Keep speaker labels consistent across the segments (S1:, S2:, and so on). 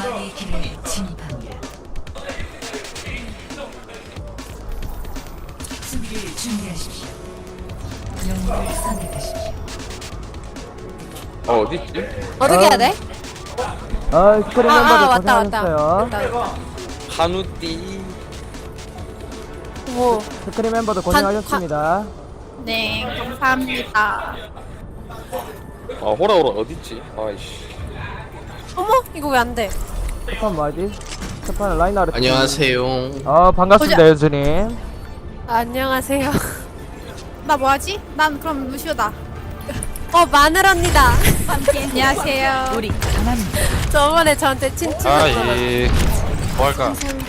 S1: 왕의 길을 진입합니다. 수비를 준비하십시오. 영웅을 선택하십시오.
S2: 어디 있지?
S3: 어떻게 해야 돼?
S4: 스크린
S3: 아,
S4: 멤버들
S3: 왔다.
S4: 고생하셨어요.
S2: 한우띠.
S3: 오,
S4: 스크린 멤버들 고생하셨습니다.
S5: 네, 감사합니다.
S2: 아 호라호라 어디 있지? 아이씨.
S3: 어머, 이거 왜 안 돼?
S4: 첫판 뭐하지? 첫판은 라인하르.
S6: 안녕하세요.
S4: 반갑습니다, 연수님.
S3: 안녕하세요.
S5: 나 뭐하지? 난 그럼 루시오다.
S3: 마늘 언니다.
S5: 안녕하세요.
S1: 우리 강합니다.
S3: 저번에 저한테 친추했잖아.
S7: 뭐할까?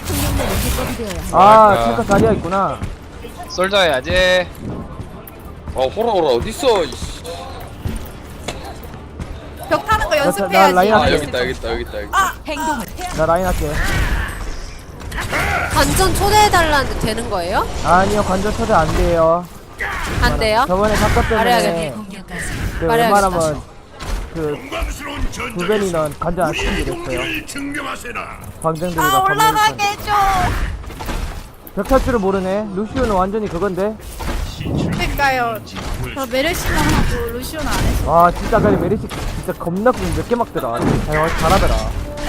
S4: 탱커 자리야 있구나.
S7: 솔저 해야지.
S2: 아 호라호라 어디 있어? 이씨.
S5: 벽 타는 거
S4: 나
S5: 연습해야지.
S4: 라인
S2: 아
S4: 할게.
S2: 여기 있다 여기 있다 여기 있다 여기.
S1: 행동을
S4: 나 라인 할게.
S3: 관전 초대해달라는데 되는 거예요?
S4: 아니요, 관전 초대 안 돼요.
S3: 안 돼요?
S4: 저번에 사건 때문에
S3: 말해야겠네.
S1: 공격까지
S4: 그
S3: 말해야겠다.
S4: 웬만하면 두 배니는 관전 안 시키기로 했어요. 광장들이가
S5: 올라가게 해줘.
S4: 벽 탈 줄을 모르네. 루시오는 완전히 그건데.
S5: 그러니까요. 저 메르시만 하고 루시오는 안 했어.
S4: 와, 진짜 그래 메리시 진짜 겁나 몇개 막더라. 잘하더라.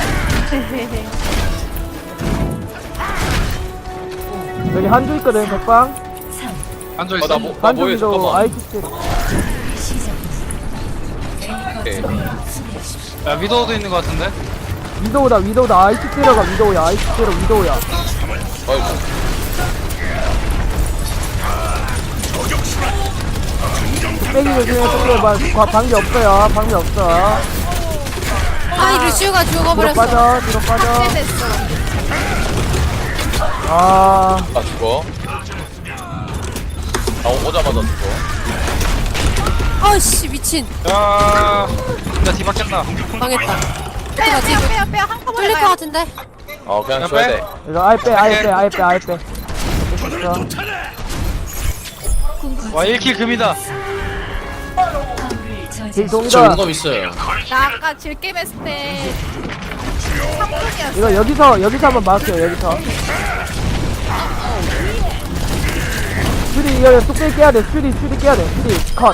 S4: 여기 한조 있거든, 백방.
S7: 앉아 있어.
S2: 나 뭐해
S4: 한조도
S2: 잠깐만.
S4: 아이티스.
S2: 오케이.
S7: 야 위도우도 있는 것 같은데.
S4: 위도우다. 아이티 때려가, 위도우야. 아이티 때려, 위도우야.
S2: 아이고.
S4: 빼기 조심해, 방비 없어요. 방비 없어.
S3: 아이, 루시오가
S4: 뒤로
S3: 죽어버렸어.
S4: 빠져, 뒤로 빠져.
S5: 됐어.
S4: 아,
S2: 아 죽어. 아 오자마자 죽어.
S3: 아이씨, 미친.
S7: 야, 나 뒤바뀌었다.
S3: 망했다.
S5: 빼요,
S3: 어떡하지?
S5: 빼요. 한꺼번에
S3: 뚫릴 것
S5: 가요.
S3: 같은데?
S2: 그냥
S7: 야,
S2: 줘야
S7: 빼.
S2: 돼.
S4: 이거 아예 빼. 됐어.
S7: 와 1킬 금이다.
S1: 화물을
S4: 딜
S1: 저지하십시오.
S6: 저
S4: 동이다.
S6: 용검 있어요.
S5: 나 아까 질게임 했을 때 3분이었어.
S4: 이거 여기서 한번 막을게요, 여기서. 슈리, 이거 뚝배기 깨야 돼. 슈리 깨야 돼. 슈리, 컷.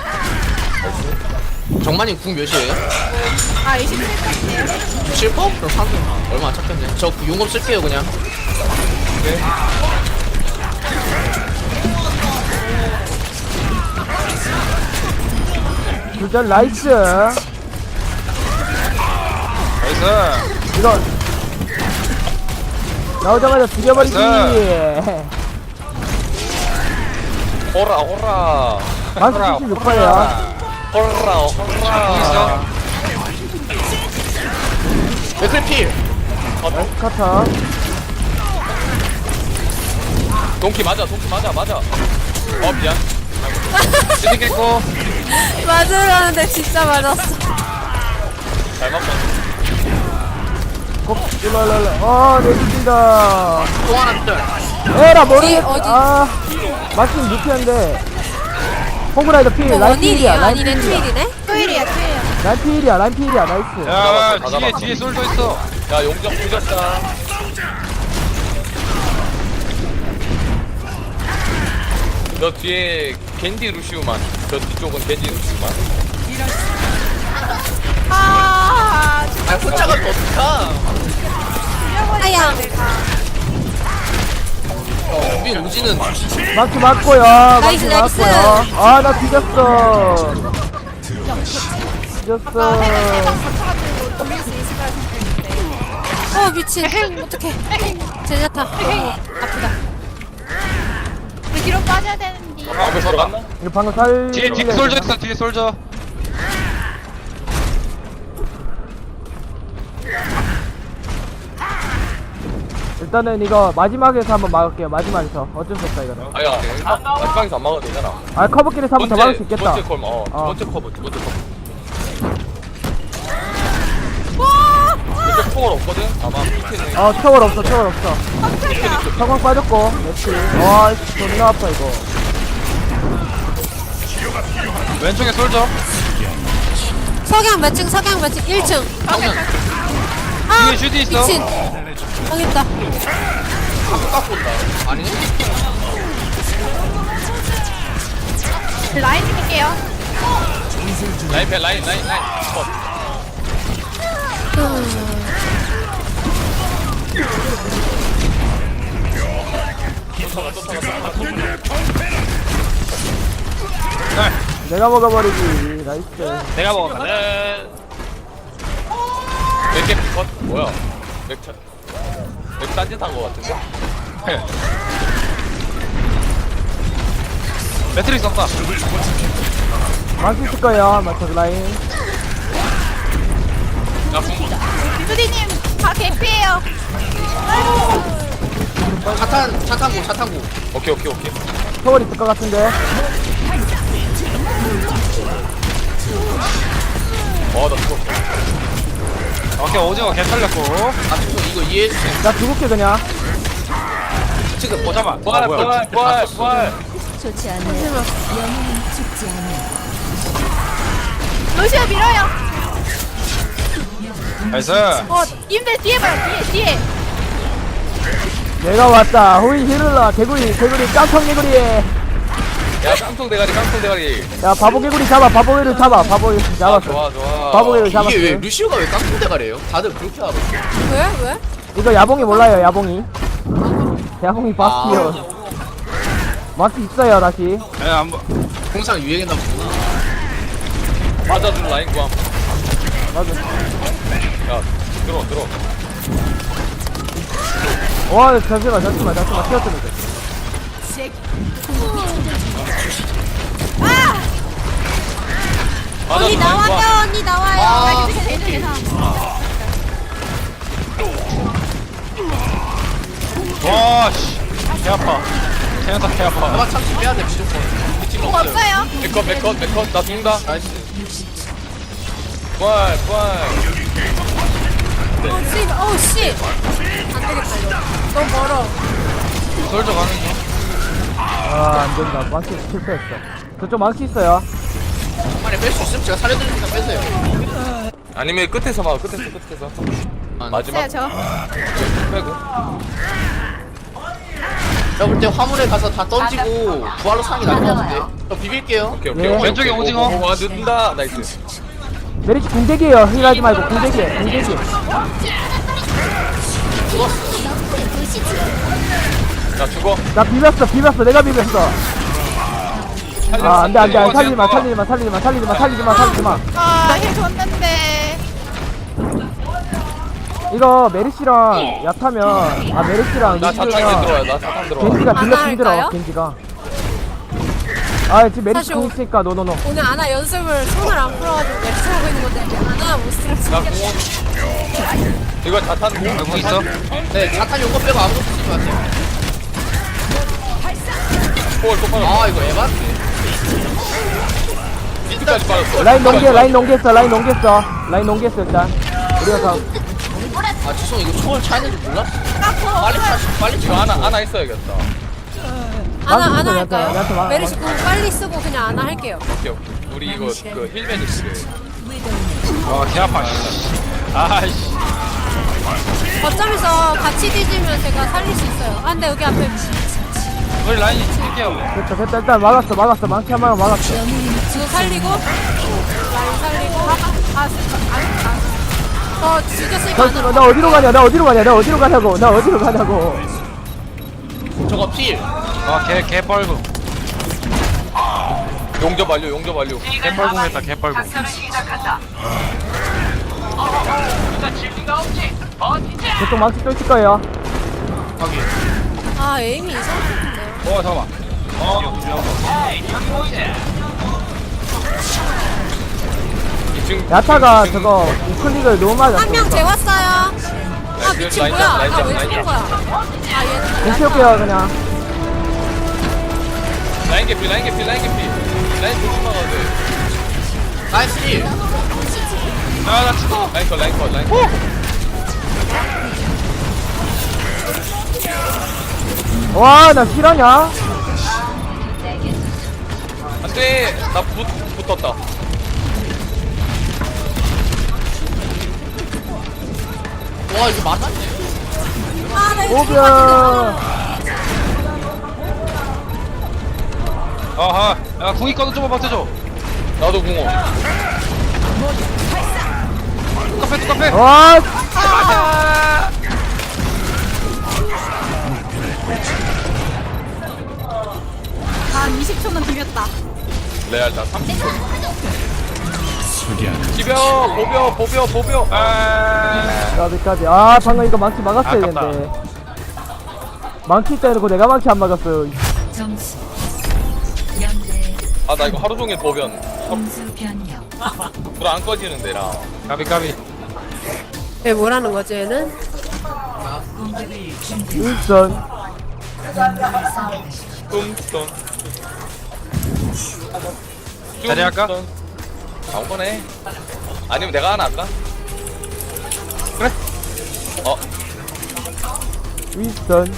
S6: 정만님 궁 몇이에요?
S5: 아, 27분이에요.
S6: 7%? 그럼 사기 얼마 안 찾겠네. 저 용검 쓸게요 그냥.
S4: 둘전 나이스.
S7: 나이스.
S4: 이거 나오자마자 죽여버리기.
S7: 나이스.
S2: 호라.
S4: 만수 76%야.
S2: 호라.
S6: 백클필.
S4: 카타.
S2: 동키 맞아. 미안.
S7: 찌르겠고.
S3: 맞으라는데 진짜 맞았어.
S2: 잘 맞고.
S4: 일로. 내 죽인다.
S6: 또 하나 뜰.
S4: 에라, 머리.
S3: 어디?
S4: 맞긴 루피한데. 호그라이더 필, 라인
S3: 원일이야?
S4: 필이야,
S3: 아니네, 투일이네?
S5: 토일이야.
S4: 라인 필이야, 나이스.
S7: 야,
S2: 다 잡았다.
S7: 뒤에 솔저 있어.
S2: 야 용정 부졌다. 너 뒤에 겐디 루시우만. 저 뒤쪽은 겐디 루시우만.
S5: 아,
S6: 아 혼자 가면 어떡하?
S3: 아야.
S6: 우리 우지는
S4: 마크 맞고요.
S3: 나이스, 나이스.
S4: 나 뒤졌어. 뒤졌어.
S5: 거쳐가지고 돌릴 수 있을 거라 생각했는데.
S3: 미친. 어떡해. 제자타. 아프다.
S5: 우리 뒤로 빠져야 되는데.
S2: 앞에 들어갔나?
S4: 이거 방금 살.
S7: 뒤에 솔저 있어. 뒤에 솔저.
S4: 일단은 이거 마지막에서 한번 막을게요. 마지막에서 어쩔 수 없다 이거는.
S2: 아야 마지막에서 안 막아도 되잖아.
S4: 커버끼리서 한번 더 막을 수 있겠다.
S2: 두 번째 콜, 두 번째 커버. 두 번째 초월 없거든? 아마 밑에는
S4: 초월 없어. 성광 빠졌고. 역시. 와, 존나 아파 이거.
S7: 왼쪽에 솔저.
S3: 석양 몇 층? 1층. 아
S7: 뒤에 슈디 있어.
S3: 미친 당했다.
S6: 깎고 온다. 아니네?
S5: 라인 드릴게요.
S2: 라인 배 라인 컷.
S4: 내가 먹어버리지. 나이스.
S7: 내가 먹어.
S2: 네. 맥개 컷 뭐야? 맥차 맥 딴짓한 거 같은데?
S7: 매트릭스 없다.
S4: 망치 있을 거예요. 마터 라인.
S2: 나 궁.
S5: 비수디님 다 개피예요.
S6: 차탄고.
S2: 오케이.
S4: 서울 있을 것 같은데.
S2: 나 죽었어.
S7: 오케이, 오징어 개 털렸고.
S6: 아, 지금 이거 이해해주세요.
S4: 나 죽을게 그냥.
S6: 지금
S7: 잠깐만.
S2: 부활.
S1: 좋지 않아요. 영웅은 죽지 않아요.
S5: 루시오 밀어요.
S7: 나이스.
S5: 님들 뒤에 봐요. 뒤에.
S4: 내가 왔다. 호이 히를라 개구리 깡통 개구리.
S2: 야 깡통 대가리.
S4: 야 바보 개구리 잡아. 바보 개구리 잡아. 바보 개구리 잡았어.
S2: 좋아.
S4: 바보 개구리 잡았어.
S6: 이게 왜 루시오가 왜 깡통대가래요? 다들 그렇게 하고.
S3: 왜?
S4: 이거 야봉이 몰라요. 야봉이 바스티오. 마스 있어요 다시.
S7: 예, 안 보.
S6: 항상 유행했나 보구나.
S2: 맞아준 라인 구함.
S4: 맞아.
S2: 야 들어.
S4: 와 잠시만 튀었으면 돼.
S3: 언니
S2: 맞아준 라인 구함.
S3: 나와요. 언니 나와요.
S5: 알겠어. 대전 예상.
S7: 와, 씨. 개 아파. 태연사 개 아파.
S6: 아마 참치 빼야 돼, 무조건. 미친
S5: 공 없어요.
S2: 맥컷 나 죽는다.
S6: 나이스.
S2: 부활.
S3: 어우 씨. 안 되겠다 이거. 너무 멀어.
S7: 솔저 가는 중.
S4: 아 안된다. 망치 실패했어. 저쪽 망치 있어요.
S6: 만에 뺄 수 있으면 제가 살려드리니까 빼세요.
S2: 아니면 끝에서 막 끝에서. 마지막
S5: 저.
S2: 빼고.
S6: 제가 볼 때 화물에 가서 다 던지고 부활로 사는 게 나을 것 같은데. 저 비빌게요.
S2: 오케이.
S4: 예.
S7: 왼쪽에 오징어.
S2: 와 늦는다. 나이스.
S4: 메리치 궁대기에요. 힐하지 말고 궁대기.
S2: 나 죽어.
S4: 나 비볐어. 내가 비볐어. 아 안돼 살리지 마.
S5: 힐 줬는데.
S4: 이거 메리시랑 야타면 메리시랑
S2: 나 자탄
S4: 루시오랑
S2: 들어와. 나 자탄 들어와.
S4: 겐지가 딜러
S3: 안
S4: 힘들어.
S3: 할까요?
S4: 겐지가. 아 지금 메리시
S3: 사실
S4: 궁 있으니까 노노노.
S3: 오늘 아나 연습을 손을 안 풀어가지고 렉스 하고 있는 건데 아나 못 쓰겠어.
S2: 나 공원. 이거 자탄 공.
S7: 여기 있어.
S6: 네, 자탄 용거 빼고 아무것도 쓰지 마세요.
S2: 포월 똑바로.
S6: 아, 이거 에반데.
S2: 미드까지 빠졌어.
S4: 라인 농ges어 일단. 우리가 다
S6: 아, 죄송, 이거 초월 차이는지 몰랐어. 빨리
S2: 이거
S6: 차.
S2: 하나 있어야겠다.
S3: 아나
S4: 얘한테
S3: 할까요?
S4: 막-
S3: 메리시 공 빨리 쓰고 그냥 아나 할게요.
S2: 오케이. 우리 이거 그 힐맨이 있어.
S7: 와, 개 아파. 씨. 아이씨.
S3: 거점에서 같이 뒤지면 제가 살릴 수 있어요. 아 근데 여기 앞에
S7: 우리 라인이 칠게요.
S4: 됐다 일단 막았어. 망치 한 방에 막았어.
S3: 지금 살리고 라인 살리고 죽였으니까 아나
S4: 나 어디로 가냐고.
S6: 저거 필.
S7: 와, 개 뻘궁.
S2: 용접 완료.
S7: 개 뻘궁했다, 개 뻘궁.
S4: 저쪽 망치 또 있을 거예요.
S6: 확인.
S3: 아 에임이 이상한데요.
S7: 잠깐만.
S4: 야타가 저거 우클릭을 너무 많이
S3: 한 명
S4: 했어.
S3: 재웠어요. 아 미친
S2: 라인
S3: 뭐야?
S2: 잡, 라인
S3: 아
S2: 잡,
S3: 왜
S2: 라인
S3: 죽은
S2: 잡.
S3: 거야? 아 얘는
S4: 공 채울게요 그냥.
S2: 라인 개피. 라인 조심하가 돼.
S6: 나이스 필.
S7: 아, 나 죽어.
S2: 라인 컷.
S4: 와 나 실화냐?
S2: 안돼. 나 붙었다.
S6: 와 이거 맞았네.
S3: 아나 이거
S4: 오비야.
S7: 아하. 야 궁이 꺼도 좀만 버텨줘.
S2: 나도 궁어.
S7: 똑같아.
S4: 와,
S5: 한 20초는 비볐다.
S2: 레알 나 30초. 지벼 보벼. 아.
S4: 까비까지. 아, 방금 이거 망치 막았어야
S7: 아깝다.
S4: 되는데. 망치 때리고 내가 망치 안 막았어요.
S1: 점수 0대
S2: 아 나 이거 하루 종일 보변.
S1: 공수 변경.
S2: 불 안 꺼지는데 나.
S7: 까비.
S3: 얘 뭐라는 거지 얘는?
S1: 공격을 준비.
S4: 일선.
S2: 뚱뚱.
S7: 자리 할까?
S2: 아무거나 해. 아니면 내가 하나 할까?
S7: 그래.
S4: 윗선.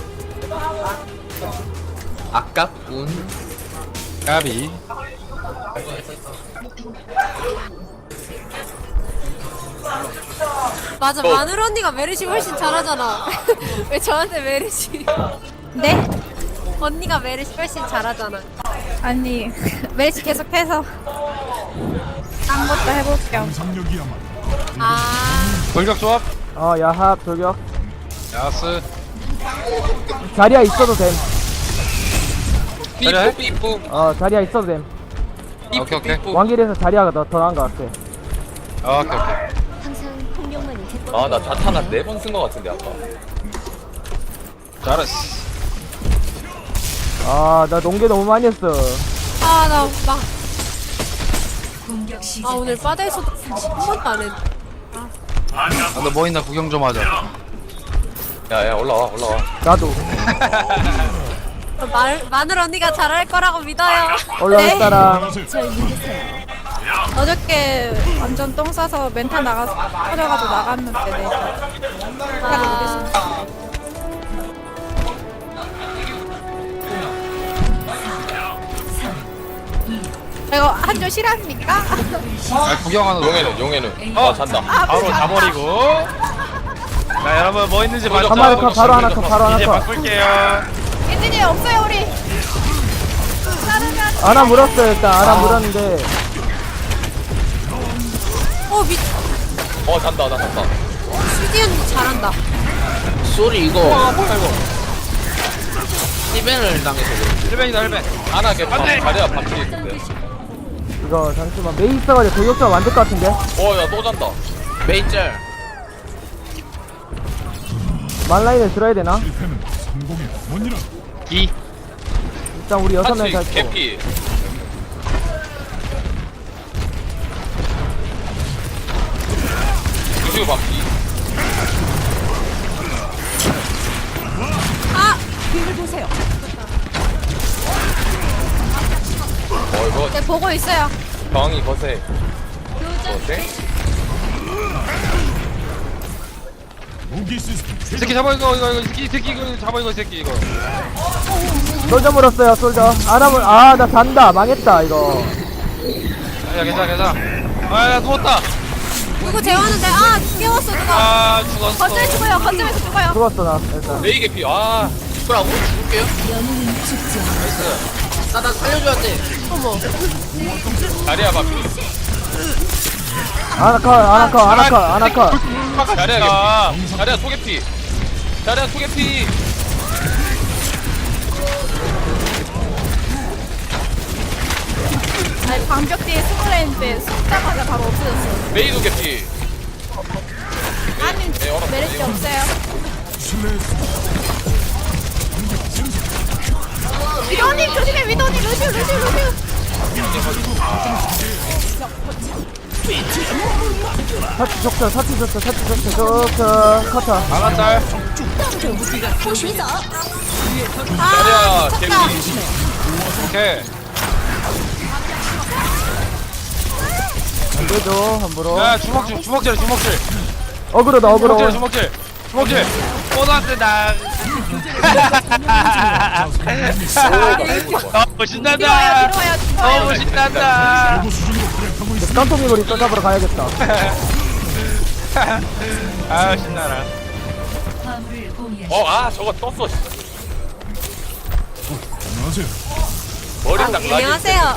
S6: 아깝군.
S7: 까비.
S3: 맞아
S2: 뭐?
S3: 마늘 언니가 메르시 훨씬 잘하잖아. 왜 저한테 메르시?
S5: 네?
S3: 언니가 메르시 훨씬 잘하잖아.
S5: 아니 메르시 계속해서 딴 것도 해볼게요.
S3: 아
S7: 돌격 조합.
S4: 야합, 돌격.
S7: 야스.
S4: 자리야 있어도 됨.
S7: 그래?
S2: 삐뿌.
S4: 자리야 있어도 됨.
S7: 오케이.
S4: 왕길에서 자리야가 더 나은 것 같아.
S7: 오케이.
S1: 항상 폭력만이 제법.
S2: 아나 자탄 한 4번 쓴 거 같은데 아까.
S7: 잘했어.
S4: 나 농계 너무 많이 했어.
S3: 나 막
S1: 공격 시작.
S3: 오늘 바다에서도 한 번도 안 했는데.
S7: 너 뭐 있나 구경 좀 하자.
S2: 야야 올라와.
S4: 나도.
S3: 마늘 언니가 잘할 거라고 믿어요.
S4: 올라갈 사람.
S1: 절 믿으세요.
S5: 어저께 완전 똥 싸서 멘탈 터져가지고 나갔는데 네.
S3: 아,
S5: 이거 한줄 실합니까?
S7: 구경하는 거.
S2: 용해는. 아 잔다.
S7: 바로 자버리고. 자 여러분 뭐 있는지
S2: 돌격
S7: 봤죠?
S4: 한마리 컷, 바로 하나 컷, 바로 하나
S7: 이제
S4: 컷.
S7: 바꿀게요.
S5: 엔진이 없어요 우리.
S4: 아나 물었어요, 일단. 아나 물었는데.
S2: 잔다 나 잔다.
S3: 슈디 언니 잘한다.
S6: 소리 이거
S2: 뭐야 이거.
S6: 스티벤을 당해서 그래.
S7: 1벤이다 1벤.
S2: 안 하게 자리야 밥풀이 있는데.
S4: 이거, 잠시만. 메이 있어가지고 돌격자 만들 것 같은데?
S2: 야 또 잔다.
S6: 메이짤.
S4: 만라인을 들어야 되나?
S7: 2.
S4: 일단 우리 6명
S2: 같이
S4: 다 있고.
S2: 개피. 루시우 밥기.
S3: 뒤를 보세요.
S2: 이거
S3: 네 보고 있어요.
S2: 방이 거세. 거세?
S7: 이 새끼 잡아 이거 이 새끼 이거 잡아 이거 이 새끼 이거.
S4: 솔저 물었어요, 솔저. 나 잔다. 망했다, 이거.
S7: 야 괜찮아. 아야 누웠다.
S3: 누구 재웠는데 깨웠어 누가.
S7: 아 죽었어.
S5: 거점에 죽어요. 거점에서 죽어요.
S4: 죽었어, 나. 일단.
S2: 레이 개피.
S6: 죽으라고? 죽을게요.
S1: 영웅은 죽지 않아.
S6: 나 살려줘야 돼.
S2: 자리야 밥기.
S4: 아나 컷.
S2: 자리야 개피. 자리야 소개피. 자리야 소개피.
S5: 아니 방벽 뒤에 숨으려 했는데 숨자마자 바로 없어졌어.
S2: 메이도 개피.
S5: 아니
S2: 네, 얼었어.
S5: 메르시 없어요. 위도님 조심해. 위도님 루시우.
S4: 사치 좋죠. 커터.
S7: 나갔다.
S2: 자리야 개피.
S7: 오케이.
S4: 안 되죠, 함부로.
S7: 야 주먹질.
S4: 어그로다.
S7: 주먹질. 뽀나트다. 너무 신난다.
S5: 들어와요.
S7: 너무 신난다.
S4: 깡통이 고리 떠잡으러 가야겠다.
S7: 아 신나라.
S1: 화물을 공유하십시오.
S2: 아 저거 떴어. 머리 딱 나기.
S3: 안녕하세요.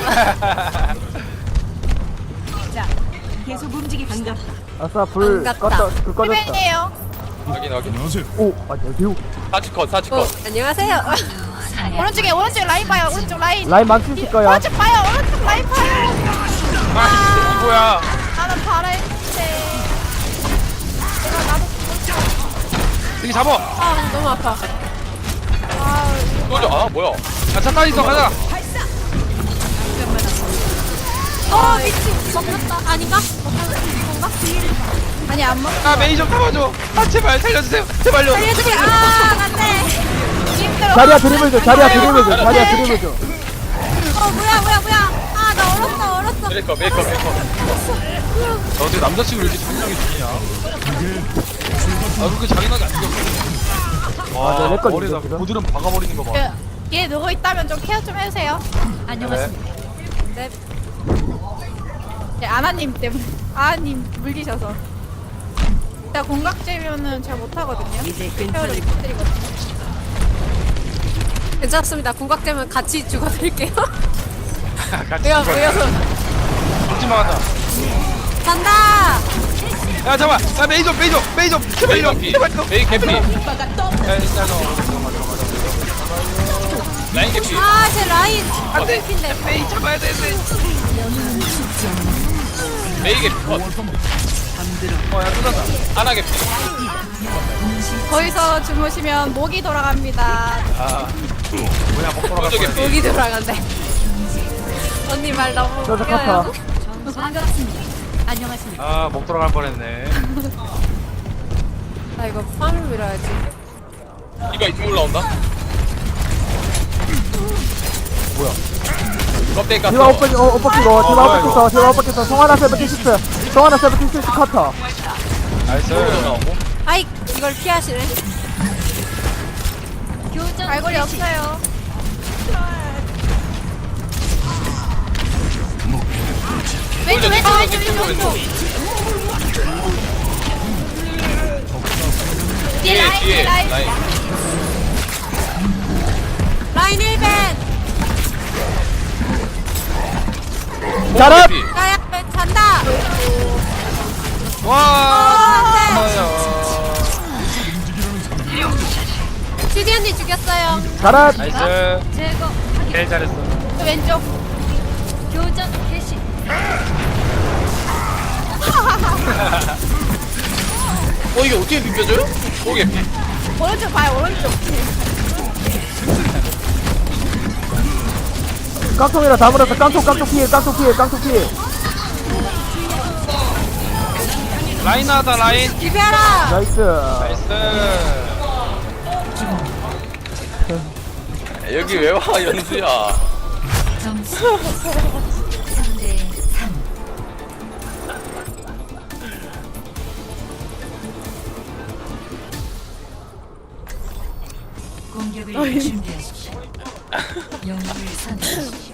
S1: 계속 움직입시다.
S4: 아싸, 불
S3: 반갑다.
S4: 껐다, 불 꺼졌다.
S5: 힐벤이에요.
S2: 확인.
S4: 오, 여기요.
S2: 사치컷.
S3: 안녕하세요.
S5: 오른쪽에 라인 봐요. 오른쪽 라인.
S4: 라인 망치 있을 거야.
S5: 오른쪽 봐요. 오른쪽 라인 봐요.
S7: 아 뭐야?
S5: 나는 바라 했는데. 내가 나도
S7: 여기 잡어.
S3: 아 너무 아파.
S2: 또죠. 아 뭐야?
S7: 야 잠깐 있어 가자.
S3: 미친. 먹혔다. 아닌가? 먹혔다.
S5: 아니 안 먹.
S7: 아 메이 좀 잡아줘. 아 제발 살려주세요. 제발요.
S3: 살려주세요. 아 안돼.
S5: 힘들어.
S4: 자리야 드리블 줘, 자리야 드리블 줘, 자리야 드리블 줘.
S3: 뭐야. 아 나 얼었어.
S2: 메이커.
S7: 너 어떻게 남자친구 이렇게 자기나게 죽이냐? 아 그렇게 자기나게 안 죽였어. 와
S4: 내 거
S7: 머리에다
S4: 죽였어.
S7: 고드름 박아버리는 거 봐.
S5: 얘 누워 있다면 좀 케어 좀 해주세요.
S1: 안녕하십니까.
S3: 네.
S5: 네, 아나님 때문에. 아나님 물리셔서. 제가 공각제면은 잘 못하거든요.
S1: 이제
S5: 케어를
S1: 괜찮을
S5: 부탁드리거든요.
S3: 괜찮습니다. 궁각되면 같이 죽어드릴게요.
S7: 같이
S3: 왜요?
S7: 죽지마 하자.
S3: 간다.
S7: 야 잠깐. 야 메이 좀 제발요. 제발 좀.
S2: 메이 개피.
S7: 야 일단 너.
S2: 라인 개피.
S3: 제 라인.
S7: 안돼.
S3: 핀데.
S7: 메이 잡아야 되는데.
S2: 메이 개피.
S7: 어야 또 잔다.
S2: 하나 개피.
S5: 거기서 주무시면 목이 돌아갑니다.
S7: 아 뭐야 먹 돌아갈
S2: 또저
S7: 거야.
S2: 개피.
S3: 목이 돌아간대. 언니 말 너무
S4: 저저
S3: 웃겨요.
S4: 카타.
S1: 반갑습니다. 안녕하십니까.
S7: 아 먹 돌아갈 뻔했네.
S3: 나 이거 화물 밀어야지.
S2: 이거 이쪽 올라온다. 뭐야? 껍데기 깠어.
S4: 디바 오빠 끼고, 디바 오빠 끼고, 송하나 세븐틴 송하나 세븐틴 카터.
S7: 나이스.
S2: 나오고.
S3: 아이 이걸 피하시네.
S5: 갈고리 없어요. 왼쪽.
S2: 뒤에 라인.
S3: 라인 1벤.
S4: 잘한!
S2: 개피.
S3: 나야 잔다.
S7: 와.
S3: 주디 언니 죽였어요.
S4: 잘한!
S7: 나이스.
S1: 제거
S7: 개 잘했어.
S5: 왼쪽.
S1: 교전 개시.
S6: 이게 어떻게 비벼져요?
S2: 또 개피.
S5: 오른쪽 봐요. 오른쪽.
S4: 깡통이라 다 물었어. 깡통 피해.
S7: 라인 하다 라인.
S3: 비벼라.
S4: 나이스.
S7: 나이스.
S2: 여기 왜 와 연수야?
S1: 점수 3대 3. 공격을 준비하십시오. 영웅을 선택하십시오.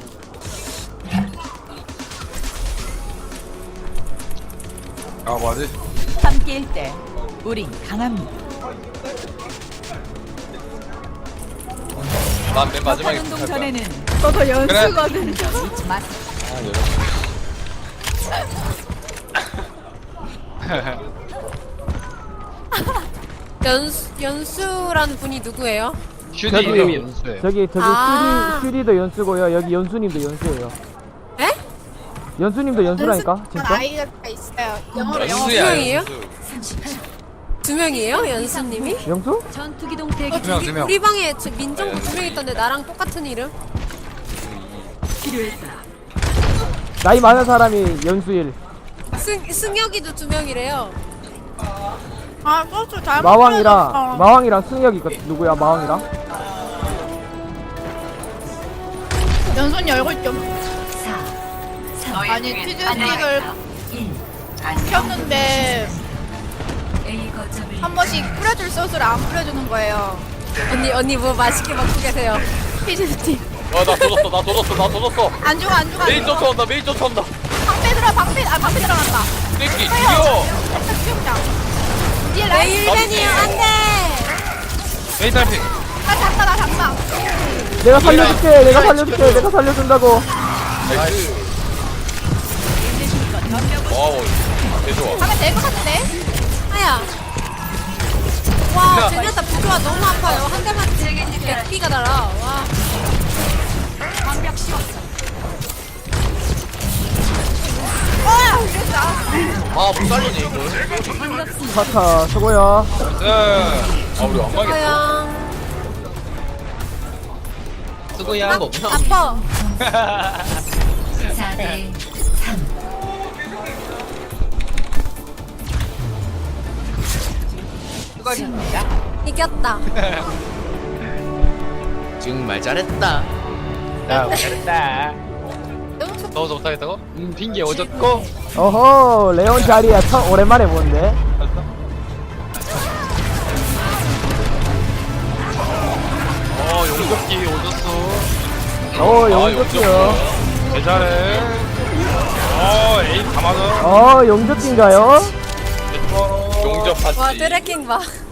S7: 아 뭐지?
S1: 함께일 때 우린 강합니다.
S2: 난 맨 마지막에
S1: 운동
S2: 붙을 거야.
S1: 전에는
S5: 저도 연수거든요.
S1: 잊지 마.
S3: 연수라는 분이 누구예요?
S7: 슈디 이름이 연수예요.
S4: 저기
S3: 아.
S4: 슈리도 연수고요. 여기 연수님도 연수예요.
S3: 에?
S4: 연수님도 연수라니까? 진짜?
S5: 아이가 있어요. 영어로 영어.
S2: 연수야
S3: 분명이에요?
S2: 연수.
S1: 30초.
S3: 2명이에요? 연수님이?
S4: 영수?
S1: 전투기동 대기
S7: 두 명.
S3: 우리 방에 민정부 2명 있던데 나랑 똑같은 이름?
S1: 필요했다.
S4: 나이 많은 사람이 연수일.
S3: 승혁이도 2명이래요.
S5: 아 소스 잘못
S4: 마왕이랑 승혁이 누구야? 마왕이랑?
S5: 연순이 얼굴 좀
S1: 4, 3,
S5: 아니 치즈스틱을 켰는데
S1: A 거점을
S5: 한 번씩 뿌려줄 소스를 안 뿌려주는 거예요.
S3: 언니 뭐 맛있게 먹고 계세요.
S5: 치즈스틱
S2: 나 도졌어.
S5: 안 죽어 안 죽어.
S2: 메이 쫓아온다.
S5: 방패 들어간다.
S2: 새끼 죽여.
S5: 수영장. 뒤에 라인.
S3: 일벤이요 안돼.
S7: 메이 딸피.
S5: 나 잡다 나 잡다.
S4: 내가 살려줄게. 내가 살려줄게. 내가 살려준다고.
S2: 나이스. 와우, 개 좋아.
S5: 가면 될 것 같은데.
S3: 아야. 와 제니아타 부조화 너무 아파요. 한 대만 100피가 달아. 와.
S1: 완벽 씌웠어.
S5: 됐다.
S6: 아못 살리네 이걸.
S4: 카타 수고야.
S2: 아, 우리 안 가겠다.
S3: 고양.
S6: 쓰고야 한거 없나?
S3: 아파.
S1: 4대 3.
S3: 이겼다.
S6: 정말 잘했다.
S7: 야 잘했다.
S5: 너무 좋다.
S7: 넣어서 못하겠다고? 핑계 오졌고.
S4: 어허 레온 자리야. 참 오랜만에 보는데.
S7: 용접기 오졌어.
S4: 용접기요.
S7: 개 잘해. 에이 다 맞아.
S4: 용접기인가요?
S2: 용접
S3: 와
S2: 봤지.
S3: 드래킹 봐.